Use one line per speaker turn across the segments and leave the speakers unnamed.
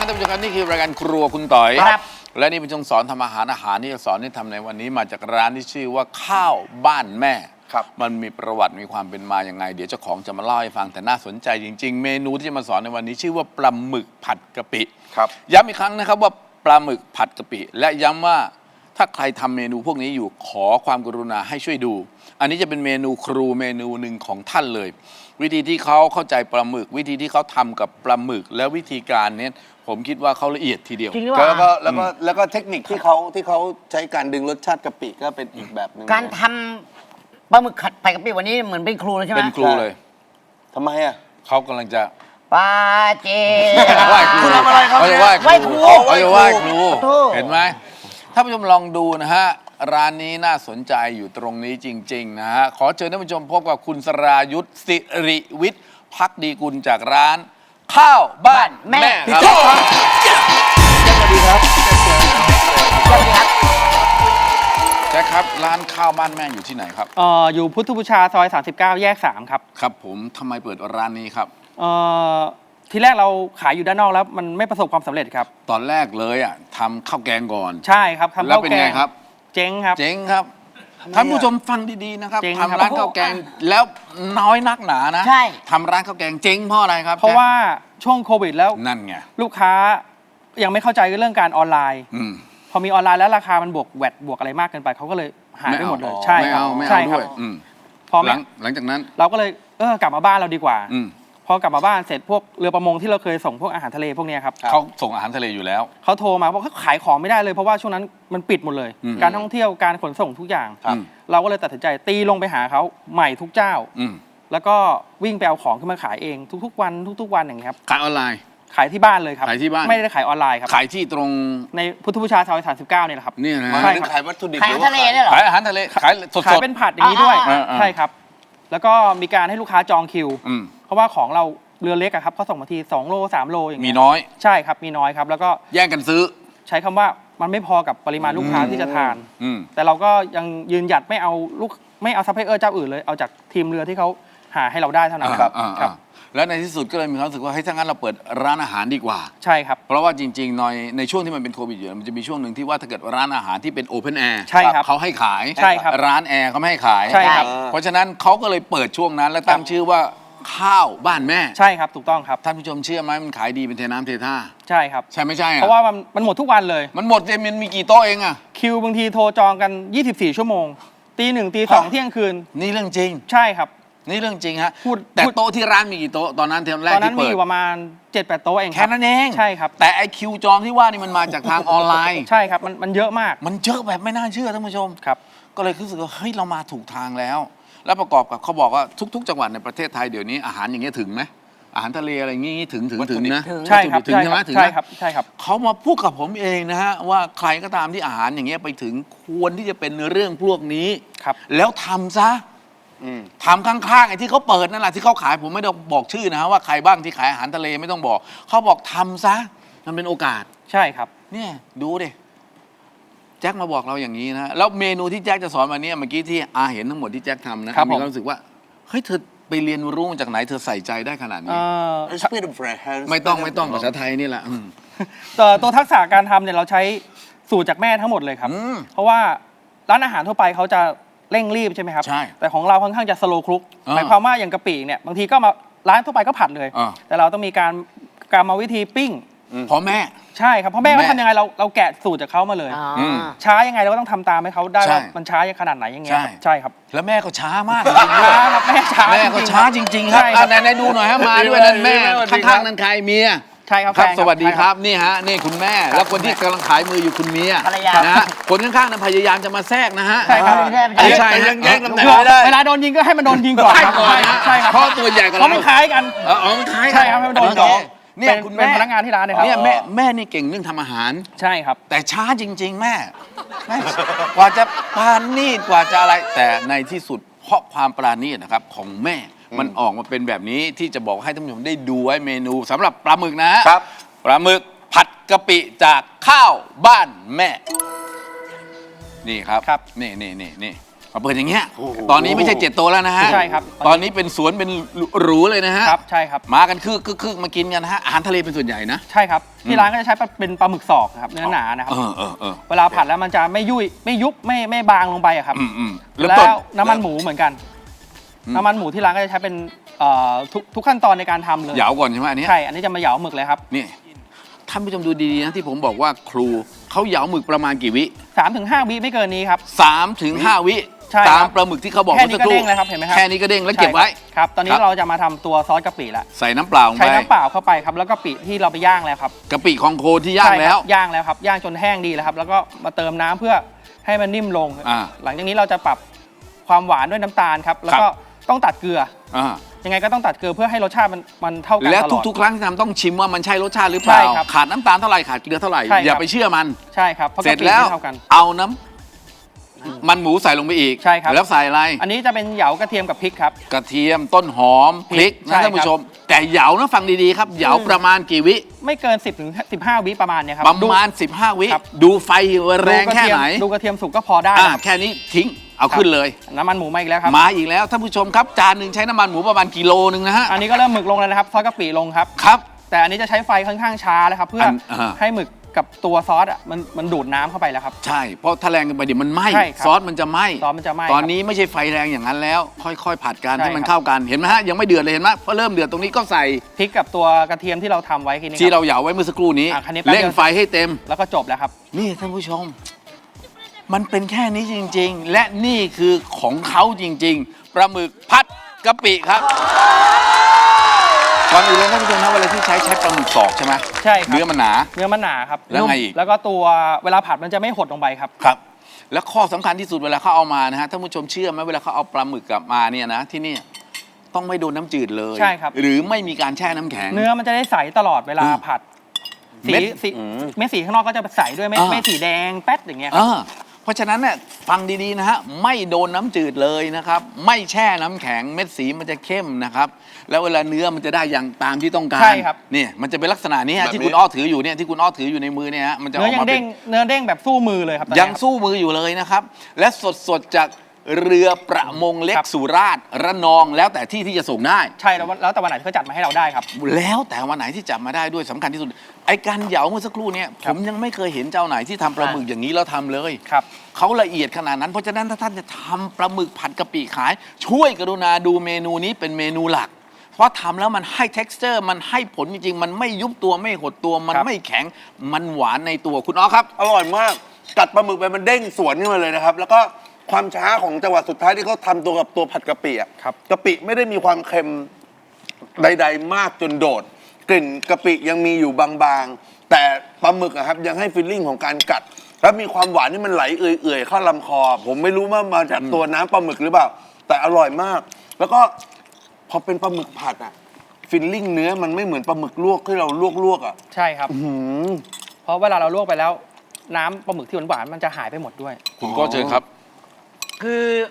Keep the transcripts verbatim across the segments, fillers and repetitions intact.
ท่านผู้ชมครับนี่คือรายการครัวคุณต่อย
ครับ
และนี่เป็นช่วงสอนทำอาหารอาหารที่จะสอนให้ทำในวันนี้มาจากร้านที่ชื่อว่าข้าวบ้านแม่
ครับ
มันมีประวัติมีความเป็นมาอย่างไงเดี๋ยวเจ้าของจะมาเล่าให้ฟังแต่น่าสนใจจริง ๆ เมนูที่จะมาสอนในวันนี้ชื่อว่าปลาหมึกผัดกะปิ
ครับ
ย้ำอีกครั้งนะครับว่าปลาหมึกผัดกะปิ และย้ำว่าถ้าใครทำเมนูพวกนี้อยู่ขอความกรุณาให้ช่วยดู อันนี้จะเป็นเมนูครูเมนูหนึ่งของท่านเลย วิธีที่เขาเข้าใจปลาหมึก วิธีที่เขาทำกับปลาหมึก และวิธีการเนี้ยผมคิดว่าเขาละเอียดทีเดียว
จริงหรือเปล่า
แล้วก็แล้วก็แล้วก็เทคนิคที่เขาที่เขาใช้การดึงรสชาติกะปิก็เป็นอีกแบบหนึ่ง
การทำปลาหมึกขัดไผ่กะปิวันนี้เหมือนเป็นครูเลยใช่ไหม
เป็นครูเลย
ทำไมอ่ะ
เขากำลังจะ
ปลาเจ
ไหว้ครู
คุณทำอะไรครับ
เขาจะไหว้
ไหว้ครู
เขาจะไหว้ครู
ขอโทษ
เห็นไหมท่านผู้ชมลองดูนะฮะร้านนี้น่าสนใจอยู่ตรงนี้จริงๆนะฮะขอเชิญท่านผู้ชมพบกับคุณสรายุทธสิริวิทย์พักดีกุลจากร้าน ข้าวบ้านแม่
พี่
ครับ
แจ๊คครับสวัสดีครับ
สวัสดีครับ
แจ็คครับร้านข้าวบ้านแม่อยู่ที่ไหนครับ
เอ่ออยู่พุทธบูชาซอย สามสิบเก้า แยก สาม ครับ
ครับผมทำไมเปิดร้านนี้ครับ
เอ่อทีแรกเราขายอยู่ด้านนอกแล้วมันไม่ประสบความสำเร็จครับ
ตอนแรกเลยอ่ะทำข้าวแกงก่อน
ใช่ครับทำ
แล้ว
ข้าว
เป็น
แก
ไง
ง
ครับ
เจ๊งครับ
เจ๊งครับท่านผู้ชมฟังดีๆนะครับ
เจ๊งครับ
ทำร้านข้าวแกงแล้วน้อยนักหนานะ
ใช่
ทำร้านข้าวแกงเจ๊งเพราะอะไรครับ
เพราะว่าช่วงโควิดแล้ว
นั่นไง
ลูกค้ายังไม่เข้าใจเรื่องการออนไลน์
อืม
พอมีออนไลน์แล้วราคามันบวกแวดบวกอะไรมากเกินไปเขาก็เลยหายไปหมดเลย
ไม่อา
ใช่
ไม่
ครับ
เอาไม่
ใช่
เอา
ครั
ด้วย
บ
อืม
พอ
ห
ไม่
ลังหลังจากนั้น
เราก็เลยเออกลับมาบ้านเราดีกว่า
อืม
พอกลับมาบ้านเสร็จพวกเรือประมงที่เราเคยส่งพวกอาหารทะเลพวกเนี้ยครับ
เขาส่งอาหารทะเลอยู่แล้ว
เขาโทรมาบอกเขาขายของไม่ได้เลยเพราะว่าช่วงนั้นมันปิดหมดเลย
อืม
การท่องเที่ยวการขนส่งทุกอย่าง
ครับ
เราก็เลยตัดสินใจตีลงไปหาเขาใหม่ทุกเจ้า
อืม
แล้วก็วิ่งไปเอาของขึ้นมาขายเองทุกๆวันทุกๆวันอย่างเงี้ยครับ
ขายออนไลน์
ขายที่บ้านเลยครับ
ขายที่บ้าน
ไม่ได้ขายออนไลน์ครับ
ขายที่ตรง
ในพุทธบูชาซอยสามสิบเก้าเนี่ยแหละครับ
นี่นะ
มา
ฮะ
ใช่
ถึง
ครับ
ขายวัตถุดิบ
ขาย
หรือ
ทะเลเนี่ยเหรอ
ขายอาหารทะเลขายสด
ขาย
ๆ
เป็นผัดอย่างนี้ด้วย
อ่าอ่า
ใช่ครับ แล้วก็มีการให้ลูกค้าจองคิว
อืม
เพราะว่าของเราเรือเล็กอะครับเขาส่งมาทีสองโลสามโลอย่าง
มี
เงี้ย
น้อย
ใช่ครับมีน้อยครับแล้วก็
แย่งกันซื้อ
ใช้คำว่ามันไม่พอกับปริมาณลูกค้าที่จะทาน
อืม
แต่เราก็ยังยืนหยัดไม่เอาลูกไม่เอาซัพพลายเออร์เจ้าอื่นเลยเอาจากทีมเรือที่เขาหาให้เราได้เท่านั้น
อ่าอ่า
ครั
อ่าแล้วในที่สุดก็เลยมีความรู้สึกว่าเฮ้ยถ้างั้นเราเปิดร้านอาหารดีกว่า
ใช่ครับ
เพราะว่าจริงๆในในช่วงที่มันเป็นโควิดอยู่มันจะมีช่วงหนึ่งที่ว่าถ้าเกิดร้านอาหารที่เป็นโอเพนแอร์
ใช่ครับ
เขาให้ขาย
ใช่ครับ
ร้านแอร์เขาไม่ให้ขาย
ใช่ครับ
เพราะฉะนั้นเขาก็เลยเปิดช่วงนั้น แล้วตั้งชื่อว่าข้าวบ้านแม่
ใช่ครับถูกต้องครับ
ท่านผู้ชมเชื่อไหมมันขายดีเป็นเทน้ำเทท่า
ใช่ครับ
ใช่ไม่ใช่อะ
เพราะว่ามันมันหมดทุกวันเลย
มันหมดเลยมันมีกี่โต๊ะเองอะ
คิวบางทีโทรจองกัน ยี่สิบสี่ ชั่วโมงตีหนึ่งตีสองเที่ยงคืน
นี่เรื่องจริง
ใช่ครับ
นี่เรื่องจริงฮะ
พูด
แต่
พูด
โต๊ะที่ร้านมีกี่โต๊ะตอนนั้นเทอมแรก
ตอนนั้น
ที่
มี
เปิ
อ
ด
ยู่ประมาณ เจ็ดแปด โต๊ะเอง
แค่นั้นเอง
ใช่ครับ
แต่ไอคิวจองที่ว่านี่มันมาจากทางออนไลน์
ใช่ครับมันมันเยอะมาก
มันเยอะแบบไม่น่าเชื่อท่านผู้ชม
ครับ
ก็เลยรู้สึกว่าเฮ้ยเรามาถูกทางแล้ว แล้วประกอบกับเขาบอกว่าทุก ๆ จังหวัดในประเทศไทยเดี๋ยวนี้อาหารอย่างเงี้ยถึงไหมอาหารทะเลอะไรอย่างงี้ถึงถึงถึงนะ
ถึง
ใช่ครับ
ถึงใช่ไหมถึง
ใช่
นะ
ครับใช่ครับ
เขามาพูดกับผมเองนะฮะว่าใครก็ตามที่อาหารอย่างเงี้ยไปถึงควรที่จะเป็นเรื่องพวกนี้
ครับ
แล้วทำซะ
อืม
ทำข้างๆไอ้ที่เขาเปิดนั่นแหละที่เขาขายผมไม่ได้บอกชื่อนะฮะว่าใครบ้างที่ขายอาหารทะเลไม่ต้องบอกเขาบอกทำซะมันเป็นโอกาส
ใช่ครับ
เนี่ยดูดิแจ็คมาบอกเราอย่างนี้นะแล้วเมนูที่แจ็คจะสอนวันนี้เมื่อกี้ที่อาเห็นทั้งหมดที่แจ็คทำนะครับ มี
ผม
ความรู้สึกว่าเฮ้ยเธอไปเรียนรู้มาจากไหนเธอใส่ใจได้ขนาด
เอ่
นี้
อ
Speed of fresh hands
ไม่ต้องไม่ต้องภาษาไทยนี่แหละอืม
ตัวตัวทักษะการทำเนี่ยเราใช้สูตรจากแม่ทั้งหมดเลยครับ
อืม
เพราะว่าร้านอาหารทั่วไปเขาจะเร่งรีบใช่ไหมครับ
ใช่
แต่ของเราค่อนข้างจะสโลว์คลุก
อ่า
หมายความว่าอย่างกะปิเนี่ยบางทีก็มาร้านทั่วไปก็ผัดเลย
อ่า
แต่เราต้องมีการการมาวิธีปิ้ง
พอแม่
ใช่ครับเพราะแม่เขา
แม่
ทำยังไงเราเราแกะสูตรจากเขามาเลย
อ๋อ
อื
อ
ม
ช้ายังไงเราก็ต้องทำตามให้เขาได้
ใช่
ว่ามันช้าขนาดไหนอย่างเงี้ยครับ
ใช่
ใช่ครับ
แล้วแม่ก็ช้ามาก
ช้าครับแม่ช้า
แม่ก็ช้าจริงๆครับ
ใช่ค
อ่ะ
รับ
ไหนไหนดูหน่อยฮะมาด้วยนั่นแม่ข้างๆนั่นใครเมีย
ใช่ครับ
ครับ
แฟน
สวัสดี
ใช่
ครับนี่ฮะนี่คุณแม่ แล้วคนที่กำลังขายมืออยู่คุณเมีย
ภรรยา
นะฮะคนข้างๆนั้นพยายามจะมาแทรกนะฮะ
ใช่ครับ
ไม่ใช่
แต่
ฮะ
ยังแย่งตำแหน่ง
เวลา
ไม่ได้
เวลาโดนยิงก็ให้มันโดนยิงก่อน
ใช่
ครับ
ก่อนนะ
ใช่ครับ
เพราะตัวใหญ่กว่า
เพราะมันคล้ายกัน
เอออ๋อมันคล้ายกัน
ใช่ครับให้มันโดน
อั
ก่อน
เนี่ย
เป็น
คุณ
เป็น
แม่
พนักงานที่ร้านนะครับ
เนี่ยแม่แม่นี่เก่งเรื่องทำอาหาร
ใช่ครับ
แต่ช้าจริง ๆ แม่แม่กว่าจะปราณีตกว่าจะอะไร แต่ในที่สุดเพราะความปราณีตนะครับของแม่มันออกมาเป็นแบบนี้ที่จะบอกให้ท่านผู้ชมได้ดูไว้เมนูสำหรับปลาหมึกนะครับ ปลาหมึกผัดกะปิจากข้าวบ้านแม่ นี่ครับ
ครับ
นี่นี่นี่นี่มาเปิดอย่างเงี้ยตอนนี้ไม่ใช่เจ็ดโตะแล้วนะฮะ
ใช่ครับ
ตอนนี้เป็นสวนเป็นหรูเลยนะฮะ
ครับใช่ครับ
มากันคือคือคือมากินกันนะฮะอาหารทะเลเป็นส่วนใหญ่นะ
ใช่ครับที่ร้านก็จะใช้เป็นปลาหมึกสอกครับเนื้อหนานะครับ
เออเออเออ
เวลาผัดแล้วมันจะไม่ยุ่ยไม่ยุบไม่ไม่บางลงไปอะครับ
อืมอืม
แล้
เริ่มต้น
วน้ำมันหมูเหมือนกัน
อืม
น้ำมันหมูที่ร้านก็จะใช้เป็นเอ่อทุกทุกขั้นตอนในการทำเลย
เหยาก่อนใช่ไหมอันเนี้ย
ใช่อันนี้จะมาเหยาหมึกเลยครับ
นี่ท่านผู้ชมดูดีๆนะที่ผมบอกว่าครูเขาเหยาหมึกประมาณกี่วิ
สามถึงห้าวิไม่เกินนี้ครับ
สามถึงห้าวิ
ใช่ครับ
ตามปลาหมึกที่เขาบอก
แค่
เมื่อ
นี้
สัก
ก็
ครู่
เด้งแล้วครับเห็นไหมครับ
แค่นี้ก็เด้งแล้วเก็บไว้
ครับ ตอนนี้
ครับ
เราจะมาทำตัวซอสกะปิแล้ว
ใส่น้ำเปล่าลง
ใช้
ไป
น้ำเปล่าเข้าไปครับแล้วก็ปิที่เราไปย่างแล้วครับ
กะปิของโคที่ย่าง
ใช่ครับ
แล้ว
ย่างแล้วครับย่างจนแห้งดีแล้วครับ แล้วก็มาเติมน้ำเพื่อให้มันนิ่มลง
อ่า
หลังจากนี้เราจะปรับความหวานด้วยน้ำตาลครับแล้วก็ต้องตัดเกลือ
อ่า
ยังไงก็ต้องตัดเกลือเพื่อให้รสชาติมันมันเท่ากัน
แล้ว
ตลอด
ทุกๆ ครั้งที่ทำต้องชิมว่ามันใช่รสชาติหรือเปล่า
ใช่ครับ
ขาดน้ำตาลเท่าไหร่ขาดเกลือเท่าไหร่
ใช่ครับ
อย่าไปเชื่อมัน
ใช่ครับเพราะ
เสร็
กะ
จ
ปิ
แล้ว
ไม่เท่ากัน
เอาน้ำมันหมูใส่ลงไปอีก
ใช่ครับ
แล้วใส่อะไร
อันนี้จะเป็นเหยากระเทียมกับพริกครับ
กระเทียมต้นหอมพริก
ใช่
นะท่านผู้ชม แต่เหยานะฟังดีๆครับเหยาประมาณกี่วิ
ไม่เกิน สิบถึงสิบห้า วิประมาณเนี้ยครับ
ประมาณ สิบห้า วิ
ครับ
ดูไฟแรงแค่ไหน
ดูกระเทียมสุกก็พอได้
อ่า
ครับ
แค่นี้ทิ้งเอาขึ้นเลย
น้ำมันหมูมาอีกแล้วครับ
มาอีกแล้วท่านผู้ชมครับจานหนึ่งใช้น้ำมันหมูประมาณกิโลหนึ่งนะฮะ
อันนี้ก็เริ่มหมึกลงแล้วนะครับซอสกะปิลงครับ
ครับ
แต่อันนี้จะใช้ไฟค่อนข้างช้าแล้วครับเพื่ออน
อ่า
ให้หมึกกับตัวซอสอ่ะมันมันดูดน้ำเข้าไปแล้วครับ
ใช่เพราะถ้าแรงเกินไปเดี๋ยวมันไหม้
ใช่ครับ
ซอสมันจะไหม้
ซอสมันจะไหม้
ตอนนี้ไม่ใช่ไฟแรงอย่างนั้นแล้ว ค่อยๆผัดกัน
ใช่
ให้มัน
ครับ
เข้ากันเห็นไหมฮะยังไม่เดือดเลยเห็นไหมพอเริ่มเดือดตรงนี้ก็ใส่
พริกกับตัวกระเทียมที่เราทำไว้ทีนี้
ที่
ค
เรา
รับ
เหยาไว้เมื่อสักครู่นี้
อ่ะคันนี้แป๊บเดียว
เร่งไฟให้เต็ม
แล้วก็จบแล้วครับ
นี่ท่านผู้ชม มันเป็นแค่นี้จริง ๆ และนี่คือของเขาจริง ๆปลาหมึกผัดกะปิครับก่อนอื่นเลยท่านผู้ชมนะเวลาที่ใช้ใช้ปลาหมึกสอกใช่ไหม
ใช่ครับ
เนื้อมันหนา
เนื้อมันหนาครับ
แล้วไงอีก
แล้วก็ตัวเวลาผัดมันจะไม่หดลงไปครับ
ครับ และข้อสำคัญที่สุดเวลาเขาเอามานะฮะท่านผู้ชมเชื่อไหมเวลาเขาเอาปลาหมึกกลับมาเนี่ยนะที่นี่ต้องไม่โดนน้ำจืดเลย
ใช่ครับ
หรือไม่มีการแช่น้ำแข็ง
เนื้อมันจะได้ใสตลอดเวลา
อืม
ผัด สี
เม็ด
สีเม็ดสีข้างนอกก็จะใสด้วยไม่
อ่า
ไม่สีแดงแป๊ดอย่างเงี้ยครับ
อ่าเพราะฉะนั้นเนี่ยฟังดีๆนะฮะไม่โดนน้ำจืดเลยนะครับไม่แช่น้ำแข็งเม็ดสีมันจะเข้มนะครับแล้วเวลาเนื้อมันจะได้อย่างตามที่ต้องการ
ใช่ครับ
เนี่ยมันจะเป็นลักษณะนี้ฮะ
แบบนี้
ที่คุณอ้อถืออยู่เนี่ยที่คุณอ้อถืออยู่ในมือเนี่ยฮะมันจะอ
เนื้
อ
อก ยัง
มาเป็
เด้
น
งเนื้อเด้งแบบสู้มือเลยครับตอน
ยัง
นี้ครับ
สู้มืออยู่เลยนะครับ และสดๆจากเรือประมงเล็ก
ครับ
สุราษฎร์ระนองแล้วแต่ที่ที่จะส่งได้
ใช่แล้วแล้วแต่วันไหนที่เขาจัดมาให้เราได้ครับ
แล้วแต่วันไหนที่จับมาได้ด้วยสำคัญที่สุดไอการเหยาเมื่อสักครู่เนี่ยผมยังไม่เคยเห็นเจ้าไหนที่ทำปลาหมึกอย่างนี้แล้วทำเลย
ครับ
เขาละเอียดขนาดนั้น เพราะฉะนั้นถ้าท่านจะทำปลาหมึกผัดกะปิขาย ช่วยกรุณาดูเมนูนี้เป็นเมนูหลัก เพราะทำแล้วมันให้ texture มันให้ผลจริงๆ มันไม่ยุบตัวไม่หดตัวมัน
ครับ
ไม่แข็งมันหวานในตัวคุณอ๋อครับ
อร่อยมากกัดปลาหมึกไปมันเด้งสวนขึ้นมาเลยนะครับ แล้วก็ความช้าของจังหวะสุดท้ายที่เขาทำตัวกับตัวผัดกะปิอะ
ครับ
กะปิไม่ได้มีความเค็มใด ๆ มากจนโดด กลิ่นกะปิยังมีอยู่บางๆ แต่ปลาหมึกอะครับยังให้ฟีลลิ่งของการกัด แล้วมีความหวานที่มันไหลเอื่อยๆเข้าลำคอ ผมไม่รู้ว่ามาจากตัวน้ำปลาหมึกหรือเปล่า แต่อร่อยมาก แล้วก็พอเป็นปลาหมึกผัดอะฟีลลิ่งเนื้อมันไม่เหมือนปลาหมึกลวกที่เราลวกๆอะ
ใช่ครับ
หืม
เพราะเวลาเราลวกไปแล้ว น้ำปลาหมึกที่หวานๆมันจะหายไปหมดด้วย
คุณก็เชิญครับ
คือ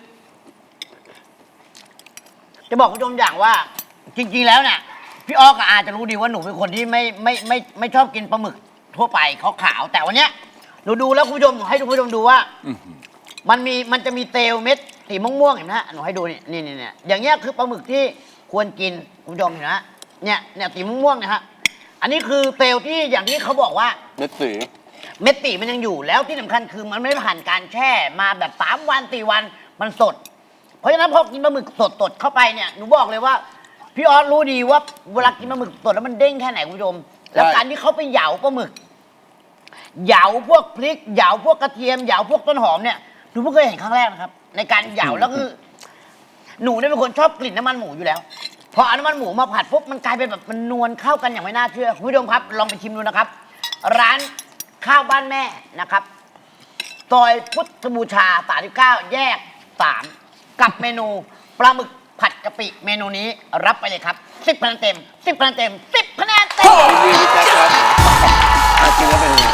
จะบอกคุณผู้ชมอย่างว่า จริง ๆ แล้วเนี่ยพี่อ้อกับอาจะรู้ดีว่าหนูเป็นคนที่ไม่ไม่ไม่ไม่ชอบกินปลาหมึกทั่วไปขาวๆแต่วันเนี้ยหนูดูแล้วคุณผู้ชมให้คุณผู้ชมดูว่า
อื้อหือ
มันมีมันจะมีเตลเม็ดสีม่วงๆเห็นไหมฮะหนูให้ดูนี่นี่นี่เนี่ยอย่างเงี้ยคือปลาหมึกที่ควรกินคุณผู้ชมเห็นไหมฮะเนี่ยเนี่ยสีม่วงๆเนะฮะอันนี้คือเตลที่อย่างที่เขาบอกว่า
เม็ดสี
เม็ดตีมันยังอยู่แล้วที่สำคัญคือมันไม่ได้ผ่านการแช่มาแบบสามวันสี่วันมันสด เพราะฉะนั้นพอกินปลาหมึกสดสดเข้าไปเนี่ยหนูบอกเลยว่าพี่ออสรู้ดีว่าเวลากินปลาหมึกสดแล้วมันเด้งแค่ไหนคุณผู้ชมแล้วการที่เขาไปเหยาปลาหมึกเหยาพวกพริกเหยาพวกกระเทียมเหยาพวกต้นหอมเนี่ยหนูเพิ่งเคยเห็นครั้งแรกนะครับ ในการเหยาแล้วคือหนูเนี่ยเป็นคนชอบกลิ่นน้ำมันหมูอยู่แล้วพอเอาน้ำมันหมูมาผัดปุ๊บมันกลายเป็นแบบมันนวลเข้ากันอย่างไม่น่าเชื่อคุณผู้ชมครับลองไปชิมดูนะครับ ร้านข้าวบ้านแม่นะครับซอยพุทธบูชาสามสิบเก้าแยกสามกับเมนูปลาหมึกผัดกะปิเมนูนี้รับไปเลยครับสิบคะแนนเต็มสิบคะแนนเต็มสิบคะแนนเต็ม
ดีๆพี่แจ๊คครับอ่ะกินแล้วเป็นยังไง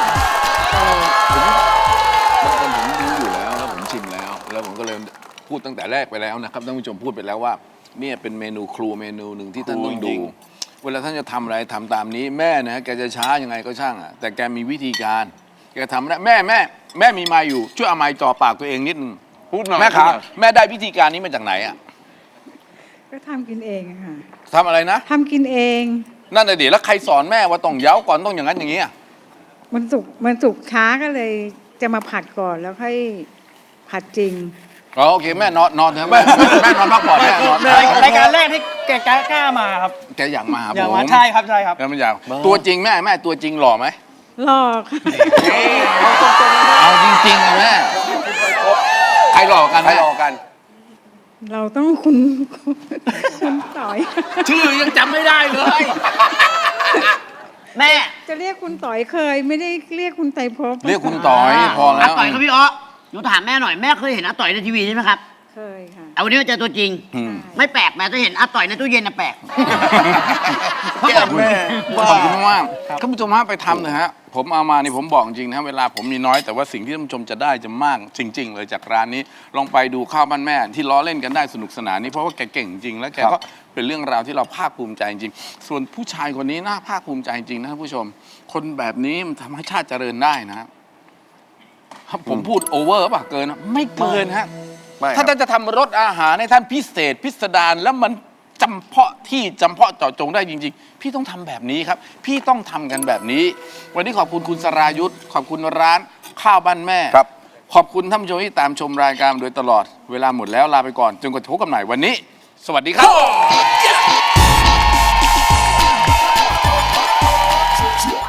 บางคนผมรู้อยู่แล้วแล้วผมชิมแล้ว แล้วผมก็เลยพูดตั้งแต่แรกไปแล้วนะครับท่านผู้ชมพูดไปแล้วว่าเนี่ยเป็นเมนูครูเมนูหนึ่งที่ท่านต้องดู เวลาท่านจะทำอะไรทำตามนี้แม่นะแกจะช้ายังไงก็ช่างอ่ะแต่แกมีวิธีการแกทำได้แม่แม่แม่มีไม้อยู่ช่วยเอาไม้จ่อปากตัวเองนิดนึง
พูดหน่อย
แม่ครับ
พูดหน่อย
แม่ได้วิธีการนี้มาจากไหนอะ
ก็ทำกินเองอะค่ะ
ทำอะไรนะ
ทำกินเอง
นั่นน่ะดิแล้วใครสอนแม่ว่าต้องเย้าก่อนต้องอย่างนั้นอย่างนี้อะ
มันสุกมันสุกช้าก็เลยจะมาผัดก่อนแล้วค่อยผัดจริง
อ๋อโอเคแม่นอนนอนเถอะแม่แม่นอนพักผ่อนแม่นอน
รายรายการแรกที่แกกล้ามาครับ
แกอยากมาหา
อย่าง
ผม
ว่าใช่ครับใช่ครับ
แกไม่อยากตัวจริงแม่แม่ตัวจริงหล่อไหม
หลอก
เอาจริงๆอะแม่ใครหล่อกัน
ให้
แม่
รอกัน
เราต้องคุณคุณต่อย
ชื่อยังจำไม่ได้เลย
แม่
จะเรียกคุณต่อยเคย ไม่ได้เรียกคุณไตรภพ
เรียกคุณต่อยพอแล้ว
อาต่อยครับพี่อ๋อหนูถามแม่หน่อยแม่เคยเห็นอาต่อยในทีวีใช่ไหมครับ
เคยค่ะ
เอาวันนี้มาเจอตัวจริง
อืม
ไม่แปลกแม่จะเห็นอาต่อยในตู้เย็นน่ะแปลก
แก้มแม่
ขอบคุณมากท่านผู้ชมฮะไปทำนะฮะผมเอามานี่ผมบอกจริงนะฮะเวลาผมมีน้อยแต่ว่าสิ่งที่ท่านผู้ชมจะได้จะมากจริง ๆ เลยจากร้านนี้ลองไปดูข้าวบ้านแม่ที่ล้อเล่นกันได้สนุกสนานนี่เพราะว่าแกเก่งจริงแล้วแกก็เป็นเรื่องราวที่เราภาคภูมิใจจริงส่วนผู้ชายคนนี้น่าภาคภูมิใจจริงนะท่านผู้ชม คนแบบนี้มันทำให้ชาติเจริญได้นะ ผมพูดโอเวอร์ป่ะเกินนะไม่เกินฮะ
ไม่ครับ
ถ้าท่านจะทำรสอาหารให้ท่านพิเศษพิสดารแล้วมันจำเพาะที่จำเพาะเจาะจงได้จริง ๆ พี่ต้องทำแบบนี้ครับ พี่ต้องทำกันแบบนี้ วันนี้ขอบคุณคุณสรายุทธขอบคุณร้านข้าวบ้านแม่
ครับ
ขอบคุณท่านผู้ชมที่ตามชมรายการมาโดยตลอดเวลาหมดแล้วลาไปก่อนจนกว่าจะพบกันใหม่วันนี้ สวัสดีครับ